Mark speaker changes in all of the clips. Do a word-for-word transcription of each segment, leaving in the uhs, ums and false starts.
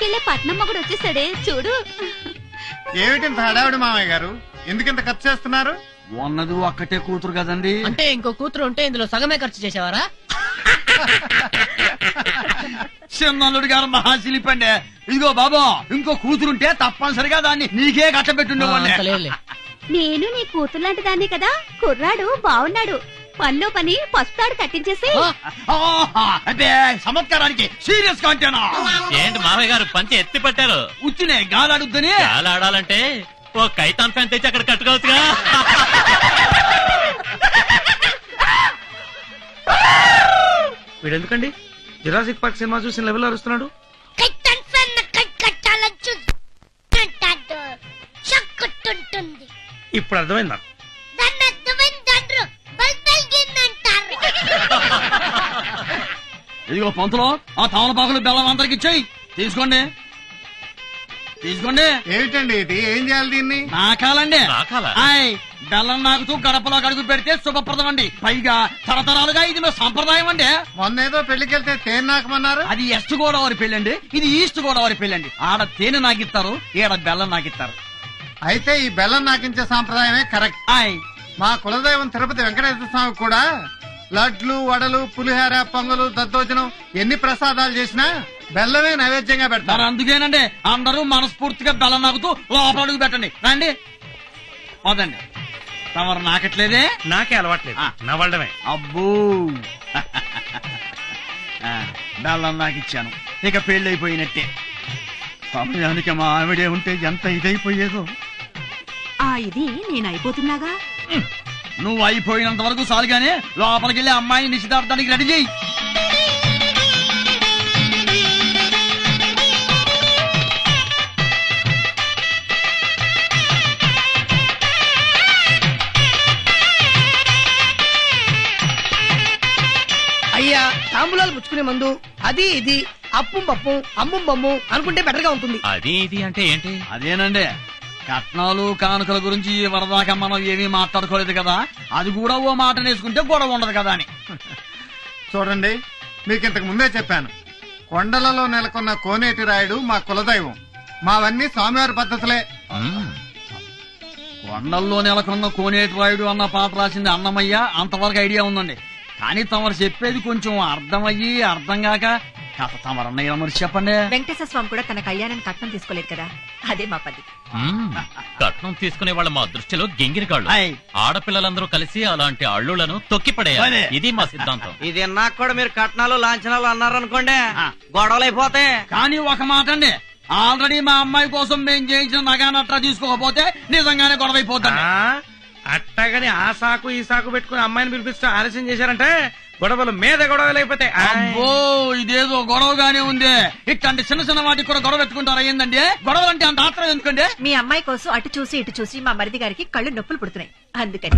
Speaker 1: తీసుకెళ్లే పట్నం మొగుడు వచ్చేసాడే చూడు.
Speaker 2: ఏమిటింత హడావిడి మామయ్య గారు, ఎందుకింత ఖర్చు చేస్తున్నారు?
Speaker 3: ఉన్నది ఒక్కటే కూతురు కదండి.
Speaker 4: అంటే ఇంకో కూతురు ఉంటే ఇందులో సగమే ఖర్చు చేసేవారా?
Speaker 3: చిన్నల్లుడు గారు మహాశిలిపండి. ఇదిగో బాబా, ఇంకో కూతురుంటే తప్పనిసరిగా దాన్ని నీకే కట్టబెట్టుండేవాడిని.
Speaker 1: నేను నీ కూతురు లాంటి దాన్ని కదా. కుర్రాడు బాగున్నాడు, పనిలో పని పస్తాడు కట్టించేసి.
Speaker 3: అంటే చమత్కారానికి సీరియస్ గా అంటేనా?
Speaker 5: ఏంటి మామయ్య గారు పంచి ఎత్తి పట్టారు?
Speaker 3: ఉచ్చినే గాలాడుద్దని.
Speaker 5: గాలాడాలంటే ఓ కైతాన్ ఫ్యాన్ తెచ్చి అక్కడ కట్టుకోవచ్చుగా.
Speaker 6: వీడెందుకండి జురాసిక్ పార్క్ సినిమా చూసిన లెవెల్ అరుస్తున్నాడు? ఇప్పుడు అర్థమైంది నాకు.
Speaker 3: ఇదిగో పంతులో, ఆ తమలపాకులు బెల్లం అందరికి ఇచ్చేయి. తీసుకోండి తీసుకోండి.
Speaker 2: ఏమిటండి ఇది, ఏం చేయాలి దీన్ని?
Speaker 3: నాకాలండి.
Speaker 5: నాకాలా?
Speaker 3: ఆయ్, బెల్లం నాకుతూ గడపలో అడుగు పెడితే శుభప్రదం అండి. పైగా తరతరాలుగా ఇది మా సంప్రదాయం అండి.
Speaker 2: మొన్న ఏదో పెళ్లికెళ్తే తేనె నాకమన్నారు.
Speaker 3: అది వెస్ట్ గోదావరి పెళ్ళండి, ఇది ఈస్ట్ గోదావరి పెళ్ళండి. ఆడ తేనె నాకిస్తారు, ఈడ బెల్లం నాకిస్తారు.
Speaker 2: అయితే ఈ బెల్లం నాకించే సాంప్రదాయమే కరెక్ట్.
Speaker 3: ఆయ్,
Speaker 2: మా కులదైవం తిరుపతి వెంకటేశ్వర స్వామి కూడా లడ్లు, వడలు, పులిహార, పొంగలు, దద్దోజనం ఎన్ని ప్రసాదాలు చేసినా బెల్లమే నైవేద్యంగా
Speaker 3: మరి
Speaker 2: పెడతారు.
Speaker 3: అందుకేనండి అందరూ మనస్ఫూర్తిగా బెల్లం నాకుతూ లోపల అడుగు పెట్టండి. రండి, పోదండి. తమరు నాకట్లేదే?
Speaker 6: నాకే అలవాట్లేదు,
Speaker 3: ఆ.
Speaker 6: నవ్వడమే.
Speaker 3: అబ్బో, ఆ, బెల్లం నాకు ఇచ్చాను, ఇక పెళ్ళైపోయినట్టే. సమయానికి మా ఆవిడే ఉంటే ఎంత ఇదైపోయేదో.
Speaker 1: ఆ ఇది నేను అయిపోతున్నాగా.
Speaker 3: నువ్వు అయిపోయినంత వరకు చాలుగానే లోపలికి వెళ్ళి అమ్మాయిని నిశ్చితార్థానికి రెడీ చేయి.
Speaker 4: అయ్యా, తాంబూలాలు పుచ్చుకునే ముందు అది ఇది అప్పుం పప్పు అమ్ముం బొమ్ము అనుకుంటే బెటర్ గా ఉంటుంది.
Speaker 5: అది ఇది అంటే ఏంటి?
Speaker 3: అదేనండి, కట్నాలు కానుకల గురించి వరదాకా మనం ఏమీ మాట్లాడుకోలేదు కదా, అది కూడా ఓ మాట నేసుకుంటే గొడవ ఉండదు కదా అని.
Speaker 2: చూడండి, మీకు ఇంతకు ముందే చెప్పాను, కొండలలో నెలకొన్న కోనేటి రాయుడు మా కులదైవం. మావన్నీ స్వామివారి పద్ధతులే.
Speaker 5: మ్మ్.
Speaker 3: కొండల్లో నెలకొన్న కోనేటి రాయుడు అన్న పాట రాసింది అన్నమయ్య, అంతవరకు ఐడియా ఉందండి. కానీ తమరు చెప్పేది కొంచెం అర్థమయ్యి అర్థం కాక కథ తమరన్నయ్య మరి చెప్పండి.
Speaker 1: వెంకటేశ్వర స్వామి కూడా తన కళ్యాణానికి కట్నం తీసుకోలేదు కదా, అదే మా పద్ధతి.
Speaker 5: మ్మ్. కట్నం తీసుకునే వాళ్ళ మా దృష్టిలో గింగిరికాళ్ళు.
Speaker 3: ఆయ్.
Speaker 5: ఆడపిల్లలందరూ కలిసి అలాంటి అల్లులను తొక్కిపడేయాలి.
Speaker 3: అదే.
Speaker 5: ఇది మా సిద్ధాంతం.
Speaker 7: ఇది నాకు కూడా మీరు కట్నాలు లాంఛనాలు అన్నారనుకోండి,
Speaker 3: ఆ.
Speaker 7: గొడవలు అయిపోతాయి.
Speaker 3: కానీ ఒక మాట అండి, ఆల్రెడీ మా అమ్మాయి కోసం మేము చేయించిన నగానట్రా తీసుకోకపోతే నిజంగానే గొడవ అయిపోతాం.
Speaker 6: ఆ, అట్టగాని ఆ సాకు ఈ సాకు పెట్టుకుని అమ్మాయిని పిలిపిస్తూ ఆలస్యం చేశారంటే గొడవలు మీద గొడవలు అయిపోతాయి.
Speaker 3: అబ్బో, ఇదేదో గొడవగానే ఉంది. ఇట్లాంటి చిన్న చిన్న వాటికి కూడా గొడవ పెట్టుకుంటారా ఏందండి? గొడవలు అంటే అంత ఆత్రం ఎందుకండి?
Speaker 1: మీ అమ్మాయి కోసం అటు చూసి ఇటు చూసి మా మరిది గారికి కళ్ళు నొప్పులు పుడుతున్నాయి, అందుకని.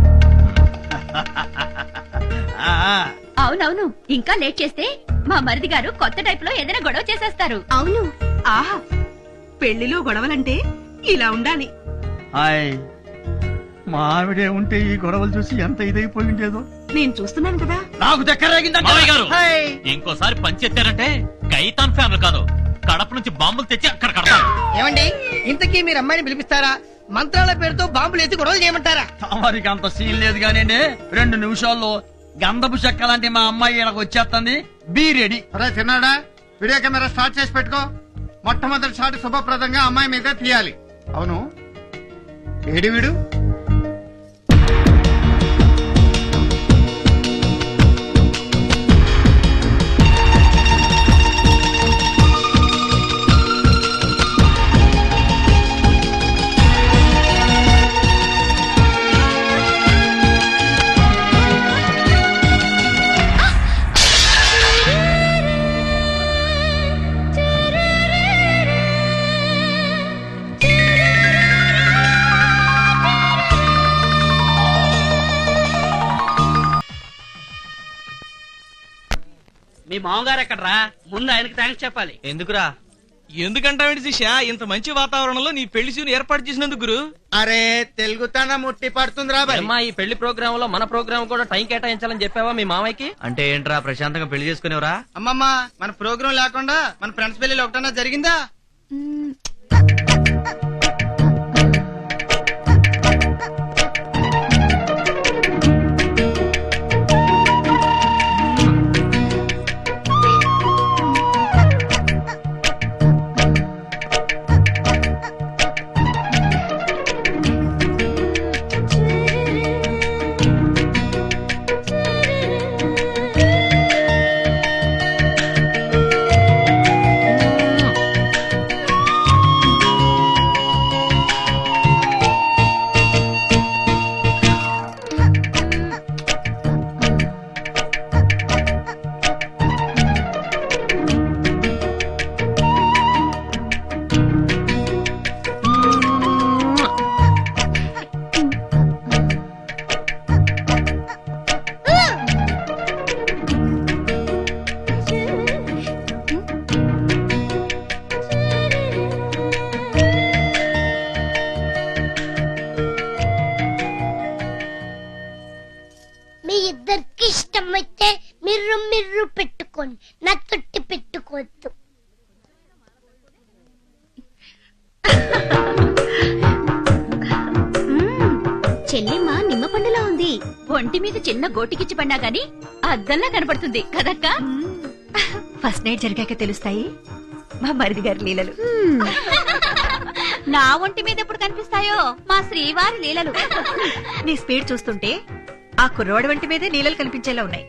Speaker 3: ఆ,
Speaker 1: అవునవును, ఇంకా లేట్ చేస్తే మా మరిది గారు కొత్త టైప్ లో ఏదైనా గొడవ చేసేస్తారు. అవును, ఆహా, పెళ్లిలో గొడవలంటే ఇలా ఉండాలి.
Speaker 3: హాయ్, మా ఆవిడే ఉంటే ఈ గొడవలు చూసి ఎంత ఇదైపోయి ఉండేదో.
Speaker 1: నేను చూస్తున్నాను కదా.
Speaker 3: నాకు దగ్గరేగిందంటే
Speaker 5: మామయ్య గారు, ఇంకోసారి పంచెత్తారంటే కైతాన్ ఫ్యాన్లు కాదు, కడప నుంచి బాంబులు తెచ్చి అక్కడ కడతారు.
Speaker 4: ఏమండి, ఇంతకీ మీరు అమ్మాయిని పిలిపిస్తారా, మంత్రాల పేరుతో బాంబులు ఎత్తి గొడవలు చేయమంటారా?
Speaker 3: తమరికి అంత సీన్ లేదు కానివ్వండి, రెండు నిమిషాల్లో గంధపు చెక్క లాంటి మా అమ్మాయి ఇక్కడికి వచ్చేస్తుంది. Be ready.
Speaker 2: అరే చిన్నాడా, వీడియో కెమెరా స్టార్ట్ చేసి పెట్టుకో. మొట్టమొదటి షాట్ శుభప్రదంగా అమ్మాయి మీద తీయాలి. అవును, ఏడి వీడు?
Speaker 7: మీ మామగారు ఎక్కడరా? ముందు ఆయనకి థ్యాంక్స్ చెప్పాలి. ఎందుకురా? ఎందుకంటావేంటి శిష్య ఇంత మంచి వాతావరణంలో నీ పెళ్లి సీన్ ఏర్పాటు చేసినందుకు గురు
Speaker 2: అరే తెలుగుతనం ముట్టి పడుతుందిరా బాయ్.
Speaker 7: అమ్మా ఈ పెళ్లి ప్రోగ్రామ్ లో మన ప్రోగ్రామ్ కూడా టైం కేటాయించాలని చెప్పావా మీ మామయ్యకి అంటే ఏంట్రా ప్రశాంతంగా పెళ్లి చేసుకునేవరా
Speaker 4: అమ్మమ్మ మన ప్రోగ్రాం లేకుండా మన ఫ్రెండ్స్ పెళ్లి ఒకటన్నా జరిగిందా?
Speaker 8: మీ ఇద్దరికి ఇష్టమైతే మిర్రు మిర్రు పెట్టుకోండి, నా తొట్టి పెట్టుకోవద్దు.
Speaker 1: చెల్లిమ్మ నిమ్మ పండులా ఉంది. ఒంటి మీద చిన్న గోటికిచ్చి పడినా గాని అద్దంలా కనపడుతుంది కదక్క. ఫస్ట్ నైట్ జరిగాక తెలుస్తాయి మా మరిది గారి లీలలు. నా ఒంటి మీద ఎప్పుడు కనిపిస్తాయో మా శ్రీవారి లీలలు. నీ స్పీడ్ చూస్తుంటే ఆ కుర్రోడి వంటి మీదే లీలలు కనిపించేలా ఉన్నాయి.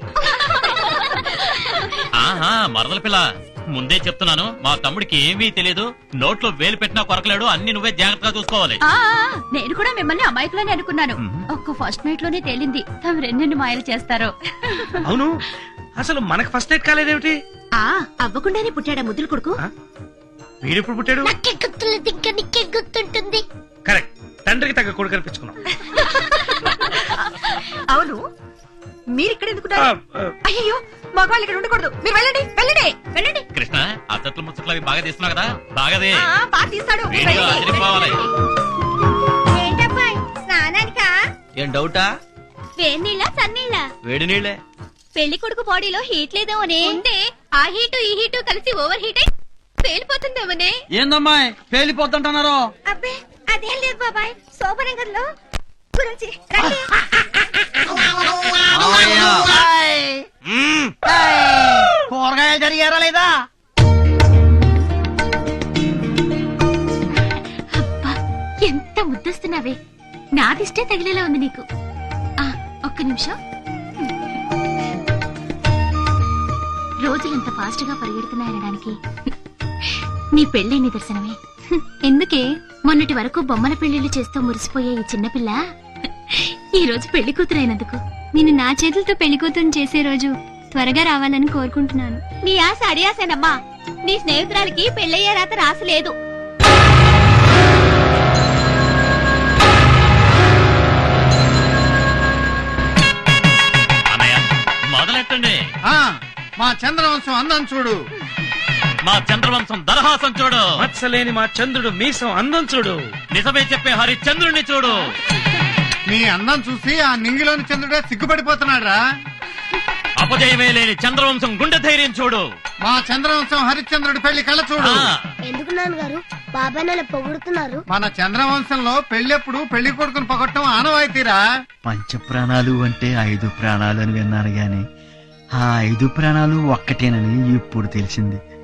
Speaker 5: ఆహా మరదల పిల్ల ముందే చెప్తున్నాను, మా తమ్ముడికి ఏమీ తెలియదు. నోట్లో వేలు పెట్టినా కొరకలేడు. అన్ని నువ్వే జాగ్రత్తగా చూసుకోవాలి.
Speaker 1: ఆ నేను కూడా మిమ్మల్ని అమాయకులని అనుకున్నాను. ఒక్క ఫస్ట్ నైట్ లోనే తేలింది తమ రెండెన్ని మాయలు చేస్తారో.
Speaker 6: అవును అసలు మనకు ఫస్ట్ నైట్ కాలేదేమిటి?
Speaker 1: ఆ అవ్వకుండానే పుట్టాడా ముద్దులు కొడుకు.
Speaker 6: వీడెప్పుడు పుట్టాడు?
Speaker 8: నాకే గుర్తులేదు, ఇంకా నీకే గుర్తుంటుంది.
Speaker 6: కరెక్ట్, తండ్రికి తగ్గ కొడుకు కనిపించుకున్నాం.
Speaker 1: అవును మీరిక్కడ ఎందుకున్నారు? అయ్యో మగవాళ్ళు ఇక్కడ ఉండకూడదు. మీరు వెళ్ళండి వెళ్ళండి వెళ్ళండి.
Speaker 5: కృష్ణ అత్తట్లు ముచ్చట్లు అవి బాగా తీస్తున్నావు కదా, బాగాదే
Speaker 1: బాగా తీస్తాడు.
Speaker 5: వీడియో అదిరిపోవాలి.
Speaker 8: ఏంటబ్బాయ్ స్నానానికా?
Speaker 7: ఏం డౌటా?
Speaker 8: వేడి నీళ్ళ సన్నీళ్ళ?
Speaker 7: వేడి నీళ్ళే.
Speaker 8: పెళ్లి కొడుకు బాడీలో హీట్ లేదేమోనే. ఉంటే ఆ హీటు ఈ హీటు కలిసి ఓవర్ హీట్ అయి పేలిపోతుందేమోనే.
Speaker 3: ఏందమ్మాయి పేలిపోతుంటున్నారు?
Speaker 8: అబ్బే అదేం లేదు బాబాయ్, శోభనగర్లో గురించి రండి.
Speaker 4: కూరగాయలు జరిగారా లేదా?
Speaker 1: అబ్బా ఎంత ముద్దస్తున్నావే. నాదిష్టే తగిలేలా ఉంది నీకు. ఆ ఒక్క నిమిషం. రోజులంత ఫాస్ట్ గా పరిగెడుతున్నాయనడానికి నీ పెళ్ళే నిదర్శనమే. ఎందుకే మొన్నటి వరకు బొమ్మల పెళ్లిళ్లు చేస్తూ మురిసిపోయే ఈ చిన్నపిల్ల ఈ రోజు పెళ్లి కూతురైనందుకు నేను నా చేతులతో పెళ్లి కూతురు చేసే రోజు త్వరగా రావాలని కోరుకుంటున్నాను. నీ ఆశ అడియాసేనమ్మా. నీ స్నేహితురాలికి పెళ్ళయ్యే రాత రాసలేదు.
Speaker 5: అన్నయ్య మొదలెట్టండి.
Speaker 2: ఆ, మా చంద్రవంశం అందం చూడు.
Speaker 5: మా చంద్రవంశం దరహాసం చూడు.
Speaker 6: మత్సలేని మా చంద్రుడు మీసం అందం చూడు.
Speaker 5: నిజమే చెప్పే హరిశ్చంద్రుణ్ణి చూడు.
Speaker 2: నీ అందం చూసి ఆ నింగిలోని చంద్రుడే సిగ్గుపడిపోతున్నాడు రా.
Speaker 5: అపజయమే లేని చంద్రవంశం గుండె ధైర్యం చూడు.
Speaker 2: మా చంద్రవంశం హరిశ్చంద్రుడి పెళ్లి కళ్ళ చూడు.
Speaker 5: ఆ,
Speaker 8: ఎందుకు నాన్నగారు బాబాయ్ నన్ను పొగుడుతున్నారు?
Speaker 2: మన చంద్రవంశంలో పెళ్ళెప్పుడు పెళ్లి కొడుకుని పొగట్టం ఆనవాయితీరా.
Speaker 9: పంచ ప్రాణాలు అంటే ఐదు ప్రాణాలు అని విన్నాను గాని ఆ ఐదు ప్రాణాలు ఒక్కటేనని ఇప్పుడు తెలిసింది.